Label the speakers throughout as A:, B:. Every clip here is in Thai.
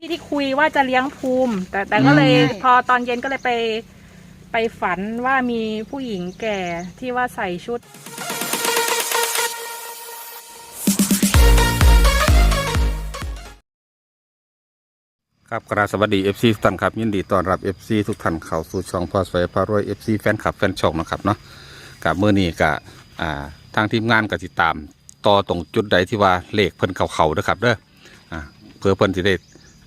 A: ที่คุยว่าจะเลี้ยงภูมิแต่ก็เลยพอตอนเย็นก็เลยไปฝันว่ามีผู้หญิงแก่ที่ว่าใส่ชุด
B: ครับกราบสวัสดี FC ทุกท่านครับยินดีต้อนรับ FC ทุกท่านเข้าสู่ช่องพ่อสวยพารวย FC แฟนคลับแฟนช่องนะครับเนาะกับเมื่อนี้กับทางทีมงานก็ติดตามต่อตรงจุดใดที่ว่าเลขเพิ่นเขาๆนะครับเด้อเพื่อเพิ่นที่ได้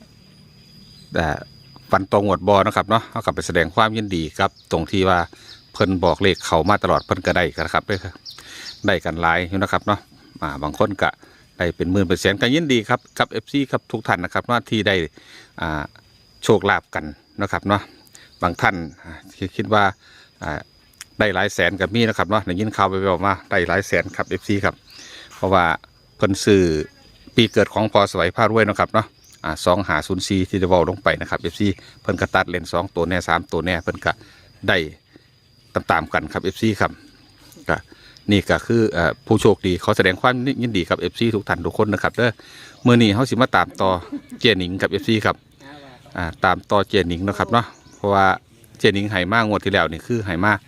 B: ฟันตรงหวดบอนะครับเนาะเขากลับไปแสดงความยินดีครับตรงที่ว่าเพิ่นบอกเลขเขามาตลอดเพิ่นก็ได้กันครับได้กันหลายอยู่นะครับเนาะบางคนก็ได้เป็นหมื่นเป็นแสนกันยินดีครับกับ FC ครับทุกท่านนะครับว่าที่ได้โชคลาภกันนะครับเนาะบางท่านคิดว่าได้หลายแสนกับมีนะครับเนาะได้ยินข่าวไปบอกมาได้หลายแสนครับ FC ครับเพราะว่าเพิ่นซื้อปีเกิดของพอสวยพารวยนะครับเนาะ2504ที่ได้บอกลงไปนะครับ FC เพิ่นก็ตัดเลน2ตัวแน่3ตัวแน่เพิ่นก็ได้ตามกันครับ FC ครับก็นี่ก็คือผู้โชคดีเขาแสดงความยินดีกับ FC ทุกท่านทุกคนนะครับเด้อเมื่อนี้เขาสิมาตามต่อเจนิงกับ FC ครับตามต่อเจนิงนะครับเนาะเพราะว่าเจนิงไหมางวดที่แล้วนี่คือไหมา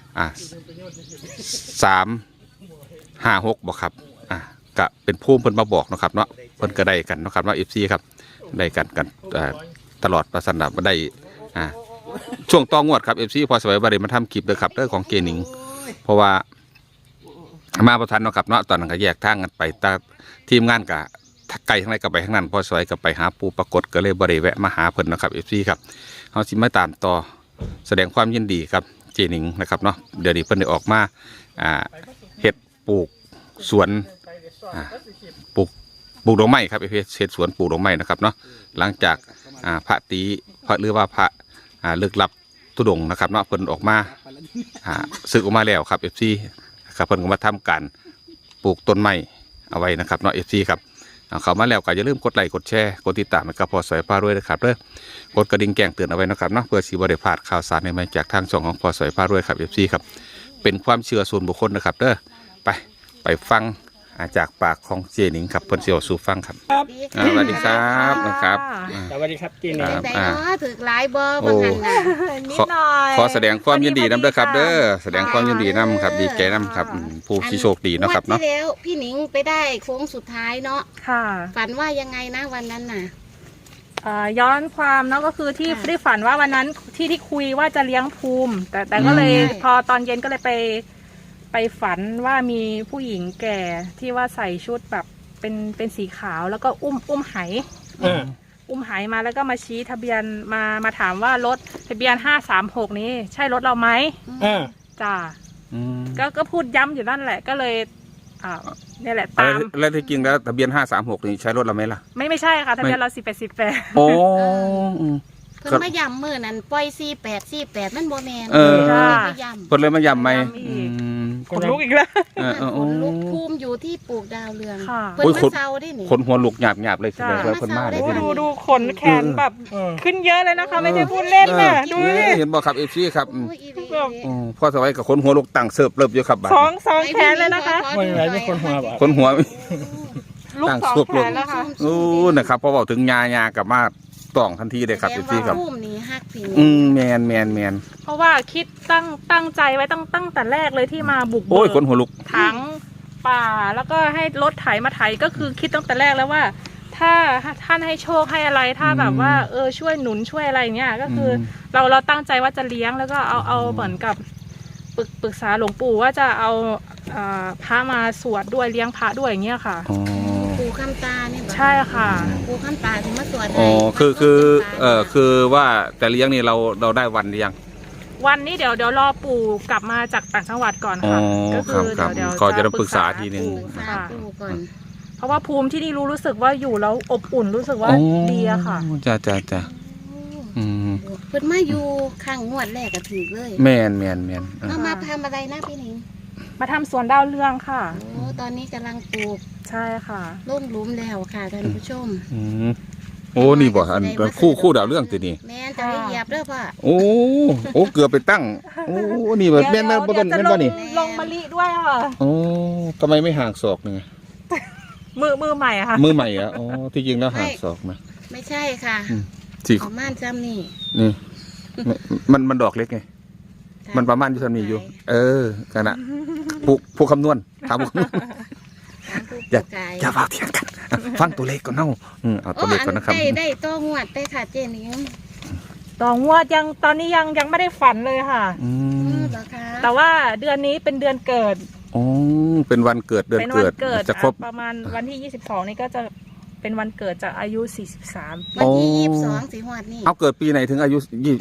B: 356บอกครับก็เป็นภูมิเพิ่นมาบอกนะครับเนาะเพิ่นก็ได้กันนะครับเนาะ FC ครับได้กันตลอดประสันดับได้ช่วงต่องวดครับ FC พอสวยบริมาทำคลิปเลยครับเรื่องของเจนิงเพราะว่ามาประทันเนาะครับเนาะตอนนั้นก็แยกทางกันไปตาทีมงานกับไกลทั้งไรกับไปทั้งนั้นพอสวยกับไปหาปูปรากฏก็เลยบริแวะมาหาเพิ่นนะครับ FC ครับเขาสิมาตามต่อแสดงความยินดีครับเจนิงนะครับเนาะเดี๋ยวนี้เพิ่นได้ออกมาเห็ดปลูกสวนปลูกดอกไม้ครับเห็ดสวนปลูกดอกไม้นะครับเนาะหลังจากพระตีพระหรือว่าพระลึกลับตุดงนะครับเนาะเพิ่นออกมาศึกออกมาแล้วครับ FC ครับเพิ่นก็มาทำการปลูกต้นไม้เอาไว้นะครับเนาะ FC ครับเขามาแล้วก็อย่าลืมกดไลค์กดแชร์กดติดตามนะครับพอสวยพารวยนะครับเด้อกดกระดิ่งแจ้งเตือนเอาไว้นะครับเนาะเพื่อสิบ่ได้พลาดข่าวสารใหม่ๆจากทางช่องของพอสวยพารวยครับ FC ครับเป็นความเชื่อส่วนบุคคลนะครับเด้อไปฟังจากปากของเจนิงครับเพิ่นสิเอาสู่ฟังครับสวัสดีครับนะครับ
C: สวัสดีครับเจนิง
D: แต่ถือหลายบ่บางหันน่ะ
A: นิดหน่อย
B: ขอแสดงความยินดีนำเด้อครับเด้อแสดงความยินดีนำครับดีใจนำครับผู้ที่โชคดีเนาะครับเนาะ
D: ที่แล้วพี่หนิงไปได้โค้งสุดท้ายเนาะ
A: ค่ะ
D: ฝันว่ายังไงนะวันนั้นน่ะ
A: ย้อนความเนาะก็คือที่ได้ฝันว่าวันนั้นที่คุยว่าจะเลี้ยงภูมิแต่ก็เลยพอตอนเย็นก็เลยไปฝันว่ามีผู้หญิงแก่ที่ว่าใส่ชุดแบบเป็นสีขาวแล้วก็อุ้มไหมาแล้วก็มาชี้ทะเบียนมาถามว่ารถทะเบียน536นี้ใช่รถเราไหมจ้าก็พูดย้ำอยู่นั่นแหละก็เลยนี่แหละตาม
B: แล้วที่จริงแล้วทะเบียน536นี่ใช้รถเราไหมล่ะ
A: ไม่ใช่ค่ะทะเบียนเรา18
B: โอ้
D: เพิ่นมาย้ำมื้อนั้นปล่อย48มันบ่แม่น
B: มาย้ำเพิ่นเลยมาย้ำไหม
A: คนลุกอีกแล้ว
D: คนลุกภูมิอยู่ที่ปลูกดาวเรืองเพิ่นมาเซาได้นี่
B: คนหัวลุกหยาบเลยเพิ่นมาเลย
A: ดูขนแขนแบบขึ้นเยอะเลยนะคะไม่ใช่พูดเล่นนะดูนี่
B: เห็นบ่ครับFCครับพ่อสวัยกับคนหัวลุกตั้งเสิร์ฟเริ่มอยู่ครับ
A: สองแขนเลยนะคะ
C: ไม่คนหัว
B: ตั้งเสิร์ฟเลยนะครับพอบอกถึงยากับมาต้องทันทีเลยครับ
D: พี่
B: ครับแมน
A: เพราะว่าคิดตั้งใจไว้ตั้งแต่แรกเลยที่มาบุกเบิก
B: คนหัวลุก
A: ถังป่าแล้วก็ให้รถไถมาไถก็คือคิดตั้งแต่แรกแล้วว่าถ้าท่านให้โชคให้อะไรถ้าแบบว่าช่วยหนุนช่วยอะไรเงี้ยก็คือเราตั้งใจว่าจะเลี้ยงแล้วก็เอาเหมือนกับปรึกษาหลวงปู่ว่าจะเอาพระมาสวดด้วยเลี้ยงพระด้วยอย่างเงี้ยค่ะ
D: ปู่คำตาเนี่ย
A: ใช่ค่ะ
D: ปู่คำตาถึงมาสวด
B: คือว่าแต่เลี้ยงนี่เราได้วันหรือยัง
A: วันนี้เดี๋ยวรอปู่กลับมาจากต่างจังหวัดก่อนค่ะก็คือเดี๋ยว
B: ก็จะปรึกษาทีนึง
A: เพราะว่าภูมิที่นี่รู้สึกว่าอยู่แล้วอบอุ่นรู้สึกว่าดีอะค่ะ
B: จ้า
D: เพิ่นมาอยู่ข้างงวดแรกก็ถือเลย
B: แมน
D: มาทำอะไรนะพี่หนิง
A: มาทำสวนดาวเรืองค่ะ
D: โอ้ตอนนี้กำลังปลูก
A: ใช่ค่ะ
D: ล่มหลุมแล้วค่ะท่านผู้ชม
B: โอ้นี่บ่อันคู่ดาวเรื่องตัวนี้
D: แม่จะเหยียบเด้อพ่อ
B: โอ้เกือบไปตั้งโอ้นี่แบบแม่นบ่ต้นแม่นบ่นี่
A: ลงมะลิด้วยค่ะ
B: โอ้ทำไมไม่ห่างศอกนึง
A: มือใหม่อะค่ะ
B: มือใหม่อะอ๋อที่จริงแล้วห่างศอกนะ
D: ไม่ใช่ค่ะ
B: สี่
D: ประมาณซ้ำนี่
B: นี่มันดอกเล็กไงมันประมาณอยู่ทำนี้อยู่ กันนะผู้คำนวณถามผู้คำนวณ อย่าฝากเถียงกันฟังตัวเลขก่อนเนาะเอาตัวเลขก่อนนะครับ
D: ได้ตัวงวดไปค่ะเจนิง
A: ต่องวดยังตอนนี้ยังไม่ได้ฝันเลยค่ะ
D: เหรอคะ
A: แต่ว่าเดือนนี้เป็นเดือนเกิด
B: อ๋อเป็นวันเกิดเดือน
A: เป็น
B: เกิ
A: วั
B: ด
A: เกิด
B: จะครบ
A: ประมาณวันที่ 22 นี่ก็จะเป็นวันเกิดจากอายุ 43
D: วันที่
B: โอ้
D: 22สิงหาคมนี่
B: เอาเกิดปีไหนถึงอายุ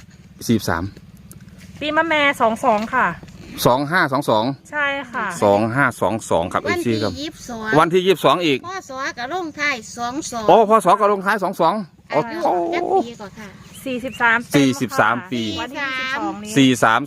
B: 43
A: ปีมะแม่22 ค่ะ
B: 2522
A: ใช่ค่ะ
B: 2522ครับ
D: วัน
B: ซี
D: ที่
B: ครับ
D: 22
B: วันที่22อีก
D: พ่อสอกับลงท้าย22
B: โอ้พศก็ลงท้าย22
D: อา
B: โอ้
D: ยุ
B: โห
D: จักปีก่อนค่ะ
A: 43เต็มค่ะ
B: 43ปี
A: วันที่22นี้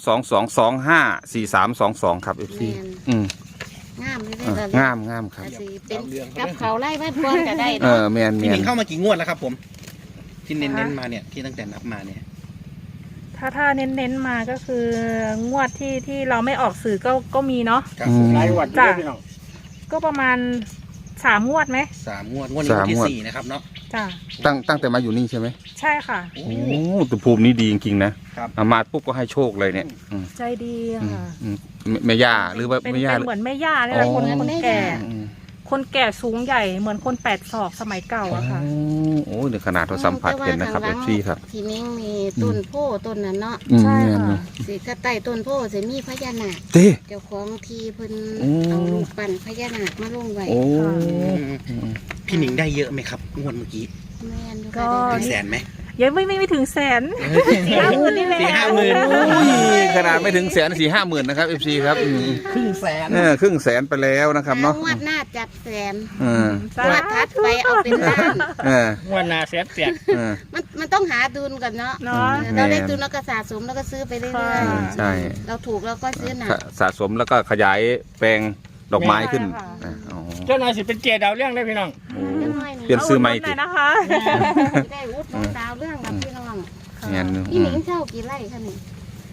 B: 4322254322ครับ FC
D: งามเลยเด้อง
B: ามครับ
D: สิเป็นกับเขาไล่บ้านก่อนก็ได้
B: เอ
D: เนาะ
B: อแมน
C: พี่หนิงเข้ามากี่งวดแล้วครับผม ที่เน้นๆมาเนี่ยที่ตั้งแต่นับมาเนี่ย
A: ถ้าเน้นมาก็คืองวดที่เราไม่ออกสื่อก็มีเนาะ
C: ครับผมหลายวันอยู่ด้วยพี่น้อง
A: ก็ประมาณ3 งวดไหม
C: 3 งวดนี้วันที่ 4นะครับเนาะ
A: จ้ะ
B: ตั้งแต่มาอยู่นี่ใช่ไหม
A: ใช่ค่ะ
C: โอ้
B: โอ้แต่ภูมินี้ดีจริงๆนะครับ มาปุ๊บก็ให้โชคเลยเนี่ย
A: ใจดีค่ะ
B: แม่ย่าหรือว่า
A: เป็น
B: แม่ย่า
A: เหมือนแม่ย่าเนี่ยแหละ
B: อ๋อ
A: คนแก่
B: อืม
A: คนแก่สูงใหญ่เหมือนคน8 ศอกสมัยเก่าอะค่ะ
B: โอ้เดี๋ยวขนาดเราสัมผัสเห็นนะครับ FC ครับ
D: ทีนี้มีต้นโพต้นนั้นเนาะ
A: ใช่
B: แม่น
A: ค่ะ
B: เนอะ
D: สิถ้าใต้ต้นโพสิมีพญานาค
B: เต้
D: เจ้าของทีเพิ่น
B: โอ้
D: เอาลูกปั่นพญานาคมาลงไว้
B: โอ้
C: พี่หนิงได้เยอะไหมครับงวดเมื่อกี้
D: แม่นอยู่
A: ก็
D: ค่ะ
C: ถึงแสนไหม
A: ยังไม่ถึงแสน 4-5 หมื่นนี่แหละ
C: 4-5 หมื่น
B: โอ้ยขนาดไม่ถึงแสน4-5 หมื่นนะครับ FC ครับ
C: ครึ่งแสน
B: ครึ่งแสนไปแล้วนะครับเนาะ
D: งวดหน้าจัดแสน
B: เออง
D: วดถัดไปเอาเป็นล้าน
B: เออง
C: วดหนาแสนแตก
B: เออ
D: มันต้องหาดุลก่อนเนาะ
A: เนาะ
D: เราได้ดุลแล้วก็สะสมแล้วก็ซื้อไปเรื่อย
A: ค่ะ
B: ใช่
D: ๆเราถูกเราก็ซื้อหนัก
B: สะสมแล้วก็ขยายแปลงดอกไม้ขึ้น
A: ใช่ค่ะ
B: อ๋อ
C: เจ้านายสิเป็นเจดาวเรื่องได้พี่น้อง
B: โอ้เปลี่ยนซื้อใหม่
A: เอา
B: ติ
A: หน่อยนะคะ
D: ได้วุฒิดาวเรื่องกับพี่น้อง
B: งานหนึง
D: พี่หนิงเช่ากี่ไร่คะนี่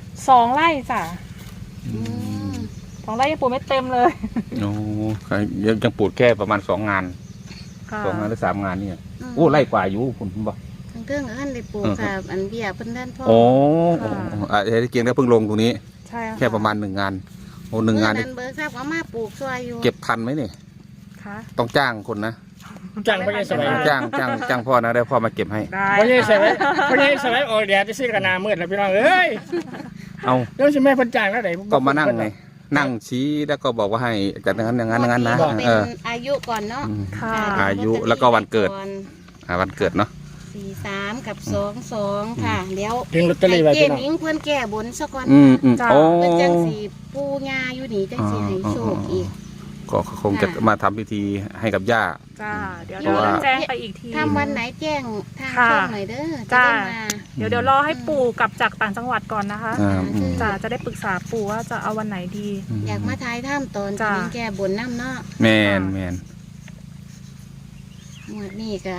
A: 2 ไร่จ้ะ
D: อืม
A: 2 ไร่ยังปลูกไม่เต็มเลย
B: โอ้ยังปลูกแค่ประมาณ2 งาน
A: ค่ะ
B: 2 งานหรือ3 งานเนี่ยโอ้ไล่กว่าอยู่คุณบอก
D: ทั้งเครื่องกับอันได้ปลูกค่ะอันเบี้ยเพิ่นด้านพ่อ
B: โอ้เกียงได้เพิ่งลงตรงนี้
A: ใช่ค่ะ
B: แค่ประมาณ1 งานโอ้1 งาน
D: เมื่
B: นี่
D: อนั้นเบิกทราบว่ามาปลูกซอยอยู่
B: เก็บทันไหมเนี่ย
A: ค่ะ
B: ต้องจ้างคนนะ
C: จ้างพญาสมัย
B: จ้างพ่อนะได้พ่อมาเก็บให้
A: ได้
C: พญาสมัยพญาสมัยออกแดดจะซื้อกันนามืดแล้วพี่น้องเอ้ย
B: เอา
C: แล้วสิแม่เพิ่นจ้างแล้วไหน
B: ก็มานั่งไงนั่งชี้แล้วก็บอกว่าให้จัดอย่างนั้นอย่างนั้นนะ
D: เป็น
B: เออ
D: อายุก่อนเนาะ
A: ค่ะ
B: อายุแล้วก็วันเกิด วันเกิดเนาะ
D: 43กับ22ค่ะเดี๋ยว
C: ถึงลอตเตอรี่ไว้
D: เจ
C: พี่น้อง
D: มิงเพิ่นแก้บนซะก่อน
B: โอ้
D: เพิ่นจังสิปูญาอยู่นี่จังสิให้โชคอีก
B: ก็คงจะมาทำพิธีให้กับย่า
A: จ้าเดี๋ยว
B: เพราะว่า
A: แจ้งไปอีกที
D: ทำวันไหนแจ้งทาง
A: ค่ะ
D: ช่องหน่อยเด้อจะ
A: จ้า
D: ได้มา
A: เดี๋ยวรอให้ปู่กลับจากต่างจังหวัดก่อนนะคะ
B: อืม
A: จ้าจะได้ปรึกษาปู่ว่าจะเอาวันไหนดี
D: อยากมาทายถ้ำตอน
A: จ้า
D: ที่แก้บนน้ำเนาะ
B: แมน
D: หมวดนี่ก็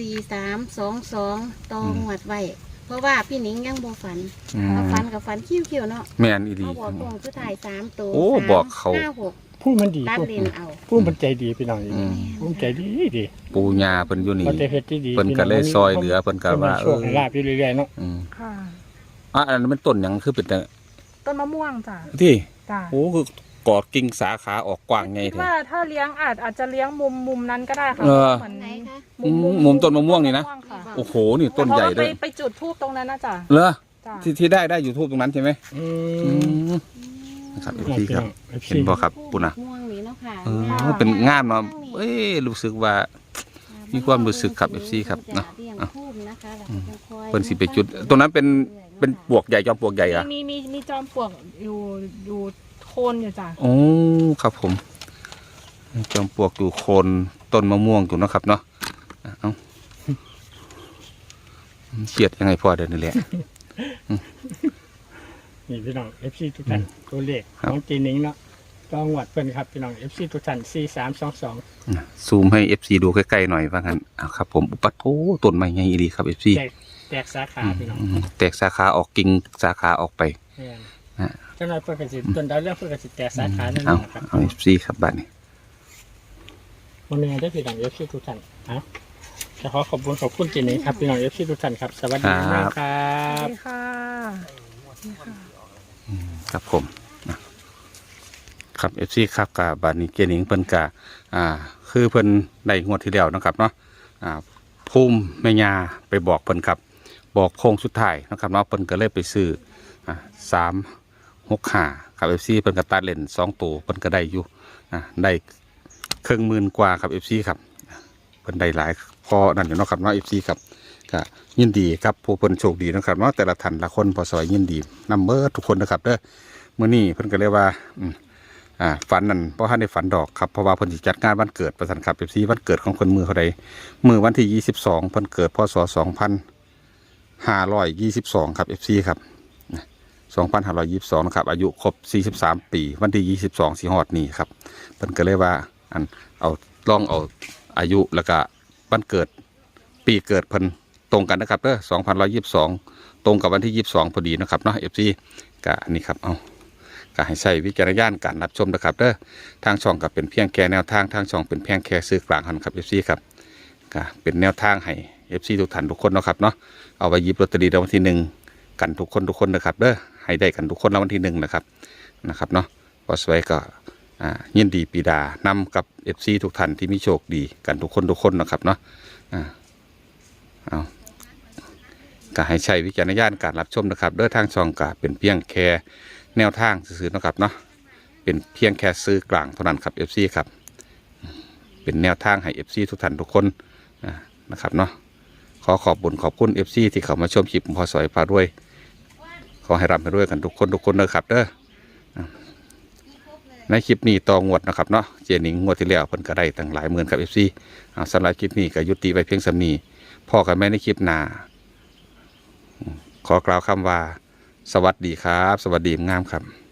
D: 4322ตองหวดไว้เพราะว่าพี่หนิงยังบ่ฝันเอาฝันกับฝันคิ้วๆเนาะ
B: แมนอีดี
D: เขาบอกตรงคือถ่าย3ตัว
B: โอ้
D: 3
B: บอกเขา
D: 5 6
C: ผู้มันดี
D: ตัด
C: ผู้
D: เลนเอา
C: ผู้มันใจดีพี่น้อง
B: อืม
C: ผู้มันใจดีดี
B: ปูญาเพิ่นอยู่นี่
C: มันจะเฮ็ดที่ดี
B: เพิ่นก็เลยซอยเหลือเพิ่นก็ว่า
C: โชคให้ลาบอยู่เรื่อยๆเนาะ
A: ค่ะ
B: อันนั้นมันต้นหยังคือเป็นแต่
A: ต้นมะม่วงจ้า
B: ที่
A: จ้า
B: โอ้คือกอดกิ่งสาขาออกกว้างไง
A: คิด
B: แท้
A: ว่าถ้าเลี้ยงอาจจะเลี้ยงมุมนั้นก็ได้ค่ะ
B: เออ
A: เหมือน
D: ไหนคะ
B: มุมต้นมะม่วงนี่นะ
A: ค่ะ
B: โอ้โหนี่ต้นใหญ่เลย
A: ไปจุดทูบตรงนั้นนะจ้า
B: เหรอ
A: จ้า
B: ที่ได้อยู่ทูบตรงนั้นใช่ไหม
C: อื
B: อื
C: ม
B: มนะครับ
C: พี่น้อง
B: พี่ครับ
C: พี่
B: เห็นบ่ครับปุ่นนะ
D: ม่วงนี่เนาะค่ะ
B: เป็นงามเนาะเอ้ยรู้สึกว่า มีความรู้สึกครับ FC ครับเนาะ เพิ่นสิไปจุดตรงนั้นเป็นปลวกใหญ่จอมปลวกใหญ่อะ
A: มีจอมปลวกอยู่โคนอยู่จ้า
B: โอ้ครับผมจอมปลวกอยู่โคนต้นมะม่วงอยู่เนาะครับเนาะเอ้าเฉียดยังไงพ่อเดี๋ยวนี้แหละ
C: นี่พี่น้อง FC ทุกท่านตัวเลขของจีนิงเนาะต้องหวัดเพิ่นครับพี่น้อง FC ทุกท่าน4322
B: ซูมให้ FC ดูใกล้ๆหน่อยว่างั้นเอาครับผมอุปัตโถต้นไม้ใหญ่ดีครับ FC
C: แตกสาขาพี่น้อง
B: แตกสาขาออกกิ่งสาขาออกไป
C: แม่น
B: ฮะ
C: เจ้านายเพิ่นก็สิต้นดาวเรื่องเพิ่นก็สิแตกสาขานั่น
B: เอา
C: นะครับ
B: เอา FC ครับบ้านนี้
C: มันมีได้พี่น้อง FC ทุกท่านฮะขอขอบคุณเจนิงครับพี่น้อง FC ทุกท่านครับสวัสดีค
A: ส
C: รั
A: วั
C: บ
A: สดีค่ะ
B: ครับผมนะครับ FC ครับกับบานิเจนิงเพิ่นกะคือเพิ่นได้งวดที่แล้วนะครับเนาะภูมิแม่ยาไปบอกเพิ่นครับบอกโค้งสุดท้ายนะครับเนาะเพิ่นก็เลยไปซื้อ365ครับ FC เพิ่นก็ตัดเล่น2ตัวเพิ่นก็ได้อยู่ได้10,000 กว่าครับ FC ครับเพิ่นได้หลายพอนั่นอยู่เนาะครับเนาะ FC ครับก็ยินดีครับผู้เพิ่นโชคดีนะครับเนาะแต่ละท่านละคนพอสอยยินดีนำเบอร์ทุกคนนะครับเด้อมื้อนี้เพิ่นก็เรียกว่าฝันนั่นเพราะท่านได้ฝันดอกครับเพราะว่าเพิ่นสิจัดงานวันเกิดประสันครับ FC วันเกิดของเพิ่นมือเท่าใดมือวันที่22เพิ่นเกิดพศ2522ครับ FC ครับ2522นะครับอายุครบ43ปีวันที่22สิฮอดนี้ครับเพิ่นก็เลยว่าเอาลองเอาอายุแล้วก็วันเกิดปีเกิดเพิ่นตรงกันนะครับเด้อ2122ตรงกับวันที่22พอดีนะครับเนาะ FC ก็อันนี้ครับเอาก็ให้ใช้วิจารณญาณการรับชมนะครับเด้อทางช่องก็เป็นเพียงแค่แนวทางทางช่องเป็นเพียงแค่ซื้อกลางครับ FC ครับก็เป็นแนวทางให้ FC ทุกท่านทุกคนเนาะครับเนาะเอาไว้หยิบลอตเตอรี่รางวัลที่1กันทุกคนนะครับเด้อให้ได้กันทุกคนรางวัลที่1นะครับเนาะพอสวยก็ยินดีปีดานำกับ FC ทุกท่านที่มีโชคดีกันทุกคนนะครับเนาะเอาก็ให้ใช้วิจารณญาณการรับชมนะครับเด้อทางช่องก็เป็นเพียงแค่แนวทางซื่อๆนะครับเนาะเป็นเพียงแค่ซื้อกลางเท่านั้นครับ FC ครับเป็นแนวทางให้ FC ทุกท่านทุกคนนะครับเนาะขอขอบคุณ FC ที่เข้ามาชมคลิปพอสอยพารวยขอให้ร่ำให้รวยกันทุกคนนะครับเด้อในคลิปนี้ต่องวดนะครับเนาะเจนิงงวดที่แล้วเพิ่นก็ได้ตั้งหลายหมื่นครับ FC สำหรับคลิปนี้ก็ยุติไว้เพียงสำนีพ่อกันแม่ในคลิปหน้าขอกล่าวคำว่าสวัสดีครับสวัสดีงามครับ